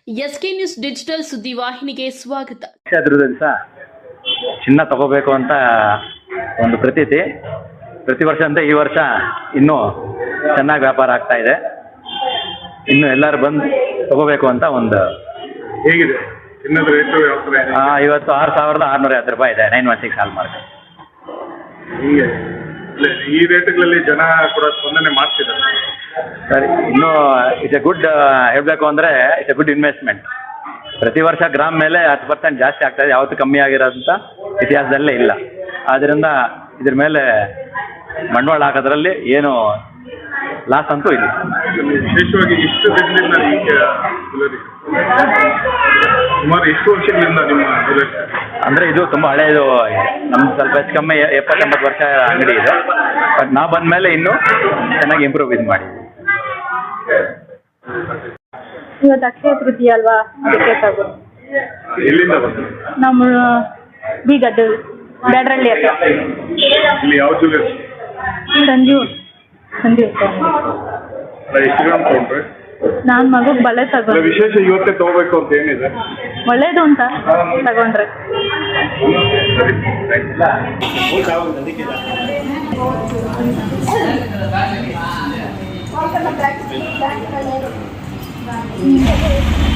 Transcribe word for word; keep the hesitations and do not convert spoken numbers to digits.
SK news digital ಸುದ್ದಿವಾಹಿನಿಗೆ ಸ್ವಾಗತ. ದಿವಸ ಚಿನ್ನ ತಗೋಬೇಕು ಅಂತ ಒಂದು ಪ್ರತೀತಿ. ಪ್ರತಿ ವರ್ಷ ಅಂತ ಈ ವರ್ಷ ಇನ್ನೂ ಚೆನ್ನಾಗಿ ವ್ಯಾಪಾರ ಆಗ್ತಾ ಇದೆ. ಇನ್ನು ಎಲ್ಲರೂ ಬಂದು ತಗೋಬೇಕು ಅಂತ ಒಂದು. ಹೇಗಿದೆ ಚಿನ್ನದ ರೇಟು? ಯಾವ ಥರ ಇದೆ? ಇವತ್ತು ಆರು ಸಾವಿರದ ಆರುನೂರ ಐವತ್ತು ರೂಪಾಯಿ ಇದೆ nine one six hallmark. ಹೀಗೆ ಈ ರೇಟ್ಗಳಲ್ಲಿ ಜನ ಕೂಡ ಸ್ಪಂದನೆ ಮಾಡ್ತಿದ್ದಾರೆ. ಸರಿ, ಇನ್ನೂ ಇಟ್ಸ್ ಎ ಗುಡ್ ಹೇಳಬೇಕು ಅಂದರೆ ಇಟ್ಸ್ ಎ ಗುಡ್ ಇನ್ವೆಸ್ಟ್ಮೆಂಟ್. ಪ್ರತಿ ವರ್ಷ ಗ್ರಾಮ್ ಮೇಲೆ ಹತ್ತು ಪರ್ಸೆಂಟ್ ಜಾಸ್ತಿ ಆಗ್ತಾಯಿದೆ, ಯಾವತ್ತೂ ಕಮ್ಮಿ ಆಗಿರೋಂಥ ಇತಿಹಾಸದಲ್ಲೇ ಇಲ್ಲ. ಆದ್ದರಿಂದ ಇದ್ರ ಮೇಲೆ ಬಂಡವಾಳ ಹಾಕೋದ್ರಲ್ಲಿ ಏನು ಲಾಸ್ ಅಂತೂ ಇಲ್ಲ. ವಿಶೇಷವಾಗಿ ಇಷ್ಟು ದಿನದಿಂದ ಸುಮಾರು ಎಷ್ಟು ವರ್ಷಗಳಿಂದ ನಿಮ್ಮ ಅಂದರೆ ಇದು ತುಂಬ ಹಳೆಯದು. ನಮ್ದು ಸ್ವಲ್ಪ ಹೆಚ್ಚು ಕಮ್ಮಿ ಎಪ್ಪತ್ತೆಂಬತ್ತು ವರ್ಷ ಅಂಗಡಿ ಇದೆ. ಬಟ್ ನಾವು ಬಂದ ಮೇಲೆ ಇನ್ನೂ ಚೆನ್ನಾಗಿ ಇಂಪ್ರೂವ್ ಇದು ಮಾಡಿ. ಇವತ್ತು ಅಕ್ಷಯ ತೃತೀಯ ಅಲ್ವಾ, ಅದಕ್ಕೆ ತಗೋ. ಎಲ್ಲಿಂದ ಬಂದು? ನಮ್ಮ ಬೀಗದ್ದು ಬ್ಯಾಡ್ರಳ್ಳಿ ಹತ್ರ. ಇಲ್ಲಿ ಯಾವ ಜ್ಯುವೆಲರ್ಸ್? ಸಂಜೀವ್ ಸಂಜೀವ್ ಎಷ್ಟು ಗ್ರಾಮ್ ತಗೊಂಡ್ರೆ? ನಾನು ಮಗುಗೆ ಬಳೆ ತಗೊಂಡು. ವಿಶೇಷ ಇವತ್ತೇ ತಗೋಬೇಕು ಅಂತ ಏನಿದೆ? ಒಳ್ಳೇದು ಅಂತ ತಗೊಂಡ್ರೆ. Thank you.